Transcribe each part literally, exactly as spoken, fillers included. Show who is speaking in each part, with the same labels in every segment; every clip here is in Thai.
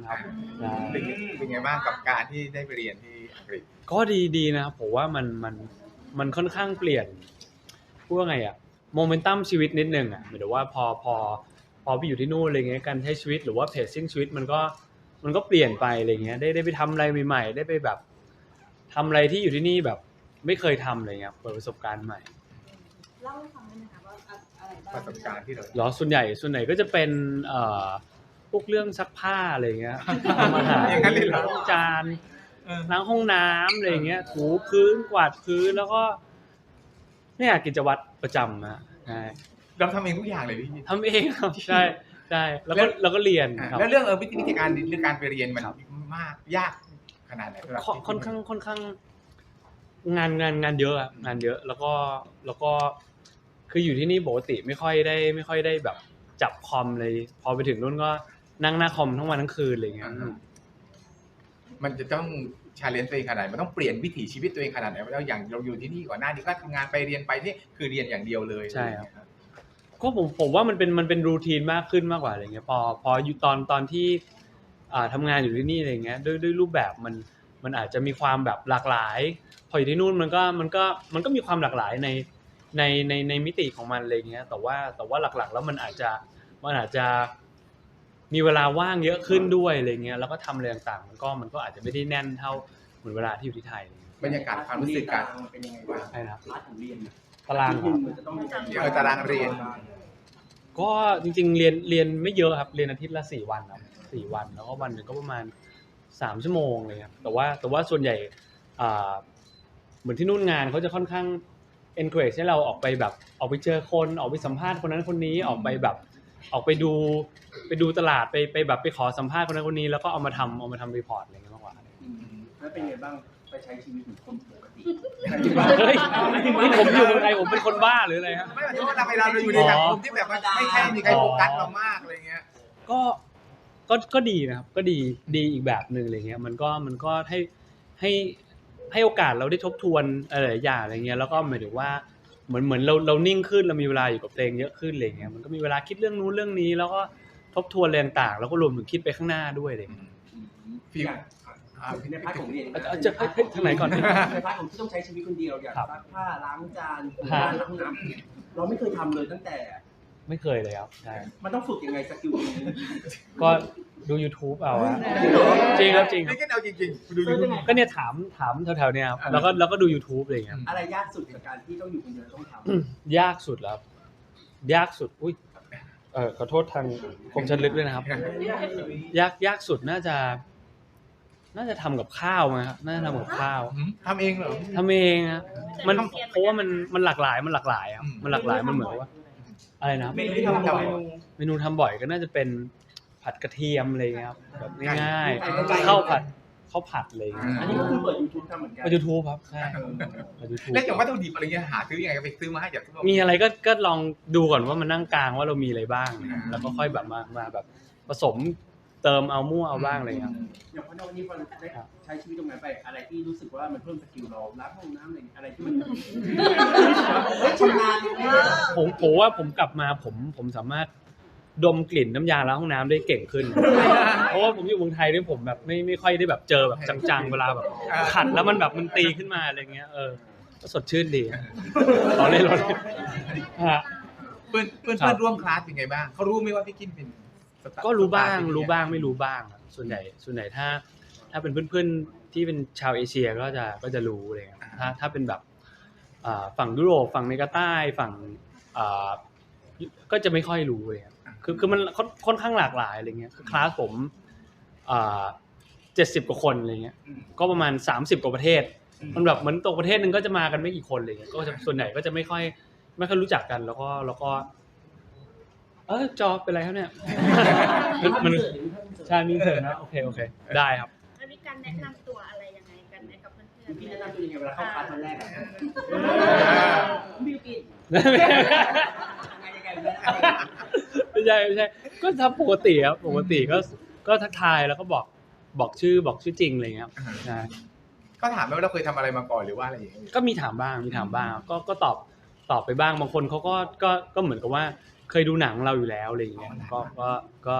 Speaker 1: ครับ
Speaker 2: เป็นเป็นไงบ้างกับการที่ได้ไปเรียนที่อังกฤษ
Speaker 1: ก็ดีดีนะครับผมว่ามันมันมันค่อนข้างเปลี่ยนพูดว่าไงอะโมเมนตัมชีวิตนิดนึงอะหมายถึงว่าพอพอพอไปอยู่ที่นู่นอะไรเงี้ยการใช้ชีวิตหรือว่าเพจซิ่งชีวิตมันก็มันก็เปลี่ยนไปอะไรเงี้ยได้ได้ไปทำอะไรใหม่ๆได้ไปแบบทำอะไรที่อยู่ที่นี่แบบไม่เคยทำอะไรเงี้ยเปิดประสบการณ์ใหม่
Speaker 3: เล่าให้ฟังได้ไหมคะว่าอะไรบ้าง
Speaker 2: ประสบการณ์ที่เรา
Speaker 1: หรอส่วนใหญ่ส่วนใหญ่ก็จะเป็นเอ่อพวกเรื่องซักผ้าอะไรเงี้ยทำอาหาร
Speaker 2: อย่างนั้นเลยเหรอ
Speaker 1: ล้างจานล้างห้องน้ำอะไรเงี้ยถูพื้นกวาดพื้นแล้วก็เนี่ยกิจวัตรประจำนะใช่
Speaker 2: เราทำเองทุกอย่างเลยพี่
Speaker 1: ทำเองครับใช่ใช่แล้วก็แล้วก็เรียนครับ
Speaker 2: แล้วเรื่องเออวิธีการเรื่องการไปเรียนมันมากยากขนาดไหนสำหรับ
Speaker 1: ค่อนข้างค่อนข้างงานงานงานเยอะอะงานเยอะแล้วก็แล้วก็คืออยู่ที่นี่ปกติไม่ค่อยได้ไม่ค่อยได้แบบจับคอมเลยพอไปถึงนู่นก็นั่งหน้าคอมทั้งวันทั้งคืนอะไรเงี้ย
Speaker 2: มันจะต้องชาเลนจ์ตัวเองขนาดไหนมันต้องเปลี่ยนวิถีชีวิตตัวเองขนาดไหนแล้วอย่างเราอยู่ที่นี่ก่อนหน้านี้ก็ทำงานไปเรียนไปนี่คือเรียนอย่างเดียวเลย
Speaker 1: ใช่ครับก็ผมผมว่ามันเป็นมันเป็นรูทีนมากขึ้นมากกว่าอะไรเงี้ยพอพออยู่ตอนตอนที่อ่าทำงานอยู่ที่นี่อะไรเงี้ยด้วยด้วยรูปแบบมันมันอาจจะมีความแบบหลากหลายพออยู่ที่นู่นมันก็มันก็มันก็มีความหลากหลายในในในในมิติของมันอะไรเงี้ยแต่ว่าแต่ว่าหลักๆแล้วมันอาจจะมันอาจจะมีเวลาว่างเยอะขึ้นด้วยอะไรเงี้ยแล้วก็ทำอะไรต่างๆมันก็มันก็อาจจะไม่ได้แน่นเท่าเหมือนเวลาที่อยู่ที่ไทย
Speaker 2: บรรยากาศความรู้สึกการ
Speaker 4: เป็นยังไงบ้าง
Speaker 1: ใช่ครับ
Speaker 4: พาร์ทของเรียน
Speaker 1: ตาราง
Speaker 4: มันจะต้อง
Speaker 2: เดี๋ยวตารางเรียน
Speaker 1: ก็จริงๆเรียนเรียนไม่เยอะครับเรียนอาทิตย์ละสี่วันครับสี่วันแล้วก็วันนึงก็ประมาณสามชั่วโมงเลยครับแต่ว่าแต่ว่าส่วนใหญ่อ่าเหมือนที่นู่นงานเขาจะค่อนข้าง encourage ให้เราออกไปแบบออกไปเจอคนออกไปสัมภาษณ์คนนั้นคนนี้ออกไปแบบออกไปดูไปดูตลาดไปไปแบบไปขอสัมภาษณ์คนนั้นคนนี้แล้วก็เอามาทำเอามาทำรีพอร์ตอะไรเงี้ยมากกว่า
Speaker 4: แล้วเป็นไงบ้างไปใช้ชีวิตเหมือนคนปกติ
Speaker 1: เฮ้ยนี่ผมอยู่เมืองไทยผมเป็นคนบ้าหรืออะไรฮะ
Speaker 2: ไม่ใช่ว่าเราไปเราอยู่ในสังคมที่แบบไม่แค่มีใครโฟกัสเรามากอะไรเงี้ย
Speaker 1: ก็ก็ก็ดีนะครับก็ดีดีอีกแบบนึงอะไรเงี้ยมันก็มันก็ให้ให้ให้โอกาสเราได้ทบทวนอะไรอย่างอะไรเงี้ยแล้วก็หมายถึงว่าเหมือนเหมือนเราเรานิ่งขึ้นเรามีเวลาอยู่กับเพลงเยอะขึ้นอะไรเงี้ยมันก็มีเวลาคิดเรื่องนู้นเรื่องนี้แล้วก็ทบทวนอะไรต่างๆแล้วก็รวมถึงคิดไปข้างหน้าด้วยอะไรเงี้ย
Speaker 4: ฟีลในพาร์ทของเรียน
Speaker 1: จะทางไหนก่อน
Speaker 4: ในพาร์ทของที่ต้องใช้ชีวิตคนเดียวอย่างซักผ้าล้างจานถูบ้านล้างน้ำเราไม่เคยทำเลยตั้งแต่
Speaker 1: ไม่เคยเลยครับใช่
Speaker 4: มันต้องฝึกยังไงสกิลนี้
Speaker 1: ก็ดู YouTube เอาอะจริงครับจริง
Speaker 2: ไม่ใช่เอาจริงๆดู YouTube
Speaker 1: ก็เนี่ยถามถามแถวๆเนี่ยครับแล้วก็แล้วก็ดู YouTube อะไรอย่างเงี้ย
Speaker 4: อะไรยากสุดในการที่ต้องอยู่คนเดียวต้องท
Speaker 1: ำยากสุดแล้วยากสุดอุ้ยเออขอโทษทางคมชัดลึกด้วยนะครับยากยากสุดน่าจะน่าจะทำกับข้าวมั้ยครับน่าจะทำกับข้าว
Speaker 2: ทำเองเหรอ
Speaker 1: ทำเองครับมันเพราะว่ามันมันหลากหลายมันหลากหลายครับมันหลากหลายมันเหมือนว่าอะไรนะ
Speaker 4: เมนูที่ทำบ่อย
Speaker 1: เมนูทำบ่อยก็น่าจะเป็นผัดกระเทียมอะไรเงี้ยครับแบบง่ายๆข้าวผัดข้าวผัดอะไรเงี้ย
Speaker 4: อันนี้ก็คือเปิด YouTube ทำเหมือนกัน
Speaker 1: เปิด YouTube ครับใช่เปิด YouTube
Speaker 2: แล้วอย่างวัตถุดิบอะไรเงี้ยหาซื้อยังไงไปซื้อมาให้จาก
Speaker 1: มีอะไรก็ก็ลองดูก่อนว่ามันนั่งกลางว่าเรามีอะไรบ้างแล้วก็ค่อยแบบมามาแบบผสมเติมเอามั่วเอาบ้างอะไรเงี้ย
Speaker 4: อย่างพอวันนี้พอได้ใช้ชีวิตตรงนั้นไปอะไรที่รู้สึกว่ามันเพิ่มสกิลเราล้างห้องน้ำอะไรอะไรที่มันชำนาญ
Speaker 1: ผมผมว่าผมกลับมาผมผมสามารถดมกลิ่นน้ำยาล้างห้องน้ำได้เก่งขึ้นเพราะว่าผมอยู่เมืองไทยด้วยผมแบบไม่ไม่ค่อยได้แบบเจอแบบจังๆเวลาแบบขัดแล้วมันแบบมันตีขึ้นมาอะไรเงี้ยเออก็สดชื่นดีรอเล่นรอเล่นฮะ
Speaker 2: เพื่อนเพื่อนเพื่อนร่วมคลาสเป็นไงบ้างเขารู้ไหมว่าพี่กินเป็น
Speaker 1: ก็รู้บ้างรู้บ้างไม่รู้บ้างส่วนใหญ่ส่วนใหญ่ถ้าถ้าเป็นเพื่อนๆที่เป็นชาวเอเชียก็จะก็จะรู้อะไรเงี้ยถ้าถ้าเป็นแบบฝั่งยุโรปฝั่งอเมริกาใต้ฝั่งก็จะไม่ค่อยรู้เลยคือคือมันค่อนข้างหลากหลายอะไรเงี้ยคือคลาสผมเจ็ดสิบกว่าคนอะไรเงี้ยก็ประมาณสามสิบกว่าประเทศมันแบบเหมือนตัวประเทศนึงก็จะมากันไม่กี่คนอะไรเงี้ยก็จะส่วนใหญ่ก็จะไม่ค่อยไม่ค่อยรู้จักกันแล้วก็แล้วก็เออจอเป็นไรครับเนี่ยมันใช่มีเสริมนะโอเคโอเคได้ครับ
Speaker 3: แล้วมีการแนะนำตัวอะไรยังไงกันไหมกับเพื่อนๆ
Speaker 4: พี่แนะนำตัวยังไงเวลาเข้าคลาสครั้งแรกอ่ะบิวกิน
Speaker 1: ไม่ใช่ไม่ใช่ก็ทำปกติครับปกติก็ก็ทักทายแล้วก็บอกบอกชื่อบอกชื่อจริงอะไรเงี้ยครับใช่
Speaker 2: ก็ถามไหมว่าเราเคยทำอะไรมาก่อนหรือว่าอะไรอย่างเงี้ย
Speaker 1: ก็มีถามบ้างมีถามบ้างก็ก็ตอบตอบไปบ้างบางคนเขาก็ก็ก็เหมือนกับว่าเคยดูหนังเราอยู่แล้วอะไรอย่างเงี้ยก็ก็ก็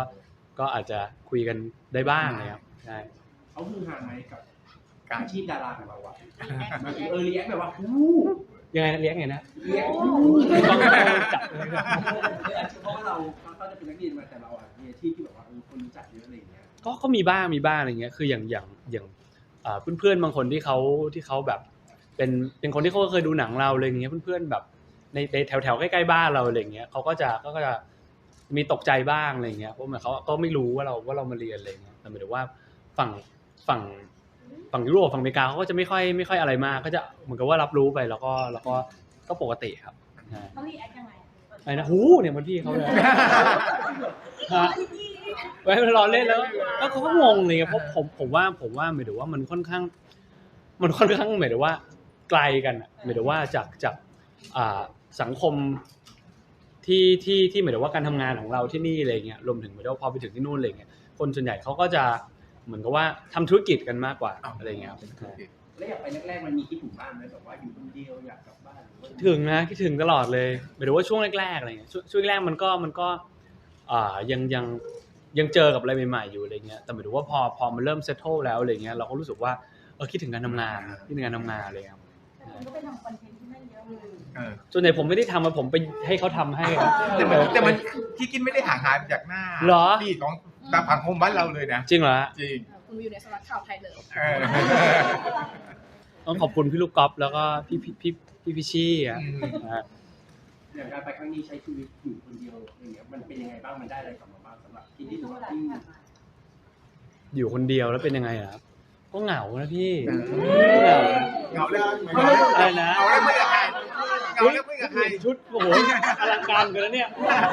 Speaker 1: ก็อาจจะคุยกันได้บ้างนะครับใช่
Speaker 4: เขาคือห่างไหมกับ
Speaker 2: การ
Speaker 4: อาชีพดาราของเราอะมันเออเรียกแบบว่าฮู้
Speaker 1: ยังไงนะเลี้ยงไงนะ
Speaker 4: เรียก
Speaker 1: ต้องจับเลยครับ
Speaker 4: เพราะว่าเราเขาจะเป็นนักเรียนมาแต่เราอะมีอาชีพที่แบบว่าเออคนรู้จักเยอะอะไรอย่างเงี้ย
Speaker 1: ก็ก็มีบ้างมีบ้างอะไรเงี้ยคืออย่างอย่างอย่างอ่าเพื่อนๆบางคนที่เขาที่เขาแบบเป็นเป็นคนที่เขาเคยดูหนังเราอะไรเงี้ยเพื่อนๆแบบในในแถวแถวใกล้ๆบ้านเราอะไรเงี้ยเขาก็จะก็จะมีตกใจบ้างอะไรเงี้ยเพราะเหมือนเขาก็ไม่รู้ว่าเราว่าเรามาเรียนอะไรเงี้ยแต่หมายถึงว่าฝั่งฝั่งฝั่งยุโรปฝั่งอเมริกาเขาก็จะไม่ค่อยไม่ค่อยอะไรมากก็จะเหมือนกับว่ารับรู้ไปแล้วก็แล้วก็ก็ปกติครับใช่
Speaker 3: เขารีแอคยังไง
Speaker 1: ไอ้นะหูเนี่ยมันพี่เขาเลยฮะไว้มันรอเล่นแล้วแล้วเขาก็งงเลยเพราะผมผมว่าผมว่าหมายถึงว่ามันค่อนข้างมันค่อนข้างหมายถึงว่าไกลกันอ่ะหมายถึงว่าจากจากอ่าสังคมที่ที่ที่หมายถึงว่าการทำงานของเราที่นี่อะไรเงี้ยรวมถึงหมายถึงว่าพอไปถึงที่นู่นอะไรเงี้ยคนส่วนใหญ่เขาก็จะเหมือนกับว่าทำธุรกิจกันมากกว่าอะไรเงี้ยครับ
Speaker 4: แล้วอยากไปแรกๆมันมีคิดถึงบ้านไหมแบบว่าอยู่คนเดียวอยากกลับบ้านหรือว่า
Speaker 1: ถึงนะคิดถึงตลอดเลยหมายถึงว่าช่วงแรกๆอะไรเงี้ยช่วงช่วงแรกมันก็มันก็อ่ายังยังยังเจอกับอะไรใหม่ๆอยู่อะไรเงี้ยแต่หมายถึงว่าพอพอมันเริ่มเซตเทิลแล้วอะไรเงี้ยเราก็รู้สึกว่าเออคิดถึงการทำงานคิดถึงการทำงานเลยครับ
Speaker 3: แต่คุณก็ไปทำคอนเทนต์ที่นั่นเยอะเลย
Speaker 2: เออ
Speaker 1: ส่วนใหญ่ผมไม่ได้ทำมาผมไปให้เขาทำให้
Speaker 2: แต่มันแต่มันที่กินไม่ได้ห่างหายจากหน้า
Speaker 1: เหรอ
Speaker 2: ที่ของตามผังคมบ้านเราเลยนะ
Speaker 1: จริงเหรอ
Speaker 2: จริง
Speaker 3: คุณอยู่ในสำนักข่าวไทยเลย
Speaker 2: เออ
Speaker 1: ต้องขอบคุณพี่ลูกก๊อฟแล้วก็พี่พี่พี่พี่พิชชี่อ่ะ
Speaker 2: อืม
Speaker 1: นะฮะ
Speaker 4: อย่างการไปครั้งนี้ใช้ชีวิตอยู่คนเดียวอย่างเงี้ยมันเป็นยังไงบ้างมันได้อะไรกลับมาบ้างสำหรับที่นี่หรือว่าที่
Speaker 1: อยู่คนเดียวแล้วเป็นยังไงอะครับก็เหงานะพี่
Speaker 2: เออ
Speaker 1: เหงา
Speaker 2: เหงาเลย
Speaker 1: อะไรนะ
Speaker 2: เหงาแล้วคุยกับใครเหงาแล้วคุยกับใคร
Speaker 1: ชุดโอ้โหอลังการกันแล้วเนี่ย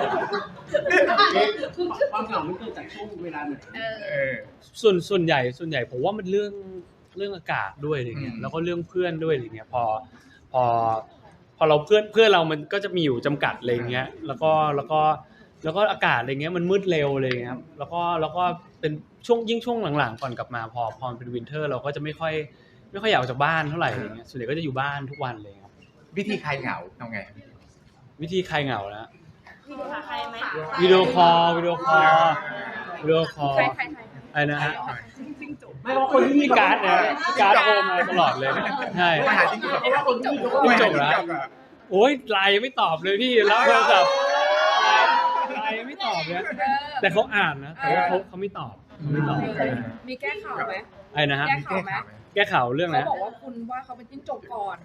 Speaker 4: ความเหงามันเกิดจากช่วงเวลาไหน
Speaker 3: เออ
Speaker 2: เออ
Speaker 1: ส่วนส่วนใหญ่ส่วนใหญ่ผมว่ามันเรื่องเรื่องอากาศด้วยอะไรเงี้ย
Speaker 2: อืม
Speaker 1: แล้วก็เรื่องเพื่อนด้วยอะไรเงี้ยพอพอพอเราเพื่อนเพื่อนเรามันก็จะมีอยู่จำกัดอะไรเงี้ยแล้วก็แล้วก็แล้วก็อากาศอะไรเงี้ยมันมืดเร็วอะไรเงี้ยครับแล้วก็แล้วก็เป็นช่วงยิ่งช่วงหลังๆก่อนกลับมาพอพอมันเป็นวินเทอร์เราก็จะไม่ค่อยไม่ค่อยอยากออกจากบ้านเท่าไหร่อะไรเงี้ยส่วนใหญ่ก็จะอยู่บ้านทุกวันเลยครับ
Speaker 2: วิธีใครเหงาทำไง
Speaker 1: วิธีใครเหงานะ
Speaker 3: วิดีโอหาใครไหม
Speaker 1: วิดีโอคอลวิดีโอคอลวิดีโอคอล
Speaker 3: ใครใครใคร
Speaker 1: อะไรนะฮะ
Speaker 4: ไม่ว่าคนที่มี
Speaker 1: พี่การ์ดเนี่ยพี่การ์ดโทรมาตลอดเลยใช่
Speaker 2: ไม่หาจริงจบ
Speaker 4: เพราะว่าคนที่มีเขาก็
Speaker 1: จิ้
Speaker 4: ไม่
Speaker 1: งจ
Speaker 4: จ
Speaker 1: ก
Speaker 4: บ
Speaker 1: เหรอ
Speaker 2: อะ
Speaker 1: โอ้ยไลน์ยังไม่ตอบเลยพี่รับโทรศัพท์ไลน์ยังไม่ตอบเลยแต่เขาอ่านนะแต่ว่าเขาเขาไม่ตอบเขาไม่ตอบ
Speaker 5: มีแก้ข่าวไหม
Speaker 1: ไอ้นะฮะ
Speaker 5: แก้ข่าวไหม
Speaker 1: แก้ข่าวเรื่อง
Speaker 5: เขา
Speaker 1: นะ
Speaker 5: บอกว่าคุณว่าเขาเป็นจิ้งจกก่อน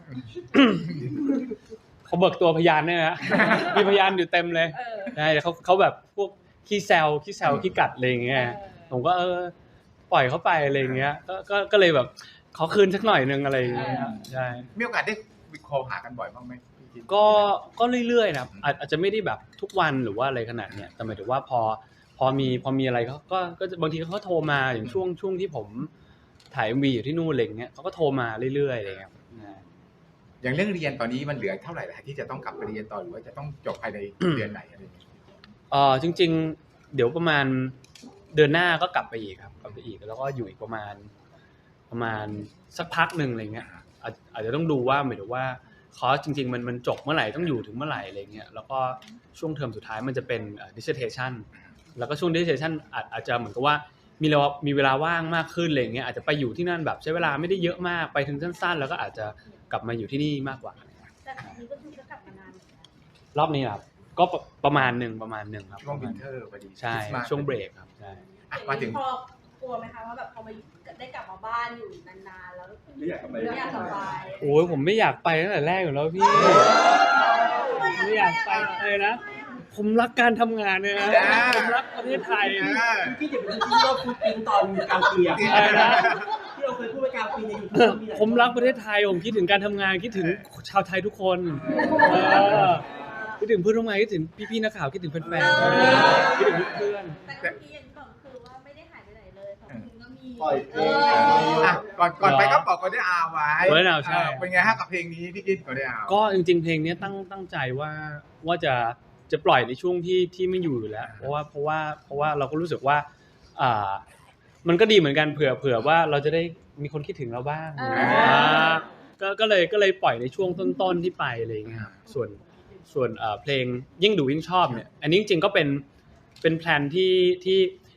Speaker 1: เขาเบิกตัวพยานเนี่ยนะมีพยานอยู่เต็มเลย
Speaker 5: เออ
Speaker 1: ใช่แต่เขาเขาแบบพวกขี้แซวขี้แซวขี้กัดอะไรอย่างเงี้ยผมก็เออปล่อยเขาไปอะไรอย่างเงี้ยก็ก็ก็เลยแบบขอคืนสักหน่อยนึงอะไรอย่างเงี้ยใช่
Speaker 2: มีโอกาสได้วิดีโอหากันบ่อยบ้างไหมพี่กิ๊ก
Speaker 1: ก็ก็เรื่อยๆนะครับอาจอาจจะไม่ได้แบบทุกวันหรือว่าอะไรขนาดเนี้ยแต่หมายถึงว่าพอพอมีพอมีอะไรเขาก็ก็จะบางทีเขาก็โทรมาอย่างช่วงช่วงที่ผมถ่าย เอ็ม วี อยู่ที่นู่นอะไรอย่างเงี้ยเขาก็โทรมาเรื่อยๆอะไรอย่างเงี้ยครับ
Speaker 2: อย่างเรื่องเรียนตอนนี้มันเหลือเท่าไหร่ละที่จะต้องกลับไปเรียนต่อหรือว่าจะต้องจบภายในเดือนไหนอะไรอย่างเงี้ย
Speaker 1: เออจริงๆ เดี๋ยวประมาณเดือนหน้าก็กลับไปอีกครับกลับไปอีกแล้วก็อยู่อีกประมาณประมาณสักพักหนึ่งอะไรเงี้ยอาจอาจจะต้องดูว่าหมายถึงว่าคอร์สจริงๆมันมันจบเมื่อไหร่ต้องอยู่ถึงเมื่อไหร่อะไรเงี้ยแล้วก็ช่วงเทอมสุดท้ายมันจะเป็น dissertation แล้วก็ช่วง dissertation อาจอาจจะเหมือนกับว่ามีเรามีเวลาว่างมากขึ้นอะไรเงี้ยอาจจะไปอยู่ที่นั่นแบบใช้เวลาไม่ได้เยอะมากไปถึงสั้นๆแล้วก็อาจจะกลับมาอยู่ที่นี่มากกว่า
Speaker 3: แต่อันนี้ก็คือจะกลับมานานเหมือนกัน
Speaker 1: รอบนี้ครับก็ประประมาณหนึ่งประมาณหนึ่งครับ
Speaker 2: ช่วงวินเทอร์พอดี
Speaker 1: ใช่
Speaker 2: คริสต์มาส
Speaker 1: ช่วงเบรกครับใช่
Speaker 2: อ่ะมาถึง
Speaker 3: พอกลัวไหมคะว่าแบบพอมาได้กลับมาบ้านอยู่นานๆแล้ว
Speaker 4: ไม่อยากกลับไป
Speaker 3: ไม่อยากกลับไป
Speaker 1: โอ้ยผมไม่อยากไปตั้งแต่แรกอยู่แล้วพี่ไม่อยากไปเลยนะผมรักการทำงานเนี่ยนะผมรักประเทศไทย
Speaker 2: เออ
Speaker 4: ที่จะเป็นที่เราพูดปินตอนกลางปีอะ
Speaker 1: อะไรนะ
Speaker 4: ที่เราเคยพูดไปกลางปีในยูทูบ
Speaker 1: ผมรักประเทศไทยผมคิดถึงการทำงานคิดถึงชาวไทยทุกคนเออคิดถึงเพื่อนร่วมงานคิดถึงพี่ๆนักข่าวคิดถึงแฟนๆคิดถึงเพื่อน
Speaker 3: แต่เมื่อกี้อย่างที่บอกคือว่าไม่ได้หายไปไหนเลยสองคืนก็มี
Speaker 6: ปล่อยเพลง
Speaker 2: อ่ะก่อนก่อนไปก็บอกก่อนได้อาไว้
Speaker 1: ก่อนได้อาใช่
Speaker 2: เออเป็นไงฮะกับเพลงนี้พี่กิ๊กก่อนได้อา
Speaker 1: ก็จริงๆเพลงนี้ตั้งตั้งใจว่าว่าจะจะปล่อยในช่วงที่ที่ไม่อยู่อยู่แล้ว เพราะว่าเพราะว่าเพราะว่าเราก็รู้สึกว่าอ่ามันก็ดีเหมือนกันเผื่อเผื่อว่าเราจะได้มีคนคิดถึงเราบ้างอ่าก็ก็เลยก็เลยปล่อยในช่วงต้นๆที่ไปอะไรอย่างเงี้ยครับส่วนส่วนเอ่อเพลงยิ่งดูยิ่งชอบเนี่ยอันนี้จริงๆก็เป็นเป็นแพลนที่ที่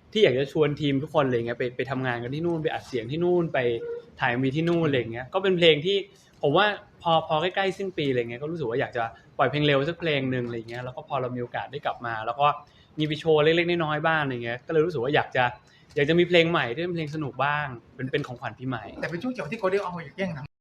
Speaker 1: ที่อยากจะชวนทีมทุกคนอะไรเงี้ยไปไปทำงานกันที่นู่นไปอัดเสียงที่นู่นไปถ่ายมีที่นู่นอะไรเงี้ยก็เป็นเพลงที่ผมว่าพอพอใกล้ๆสิ้นปีอะไรเงี้ยก็รู้สึกว่าอยากจะปล่อยเพลงเร็วสักเพลงนึงอะไรเงี้ยแล้วก็พอเรามีโอกาสได้กลับมาแล้วก็มีไปโชว์เล็กๆน้อยๆบ้างอะไรเงี้ยก็เลยรู้สึกว่าอยากจะอยากจะมีเพลงใหม่ที่เป็นเพลงสนุกบ้างเป็นเป็นของขวัญปีใหม่
Speaker 2: แต่เป็นช่วงจังหวะที่เขาได้เอามาแย่งทำ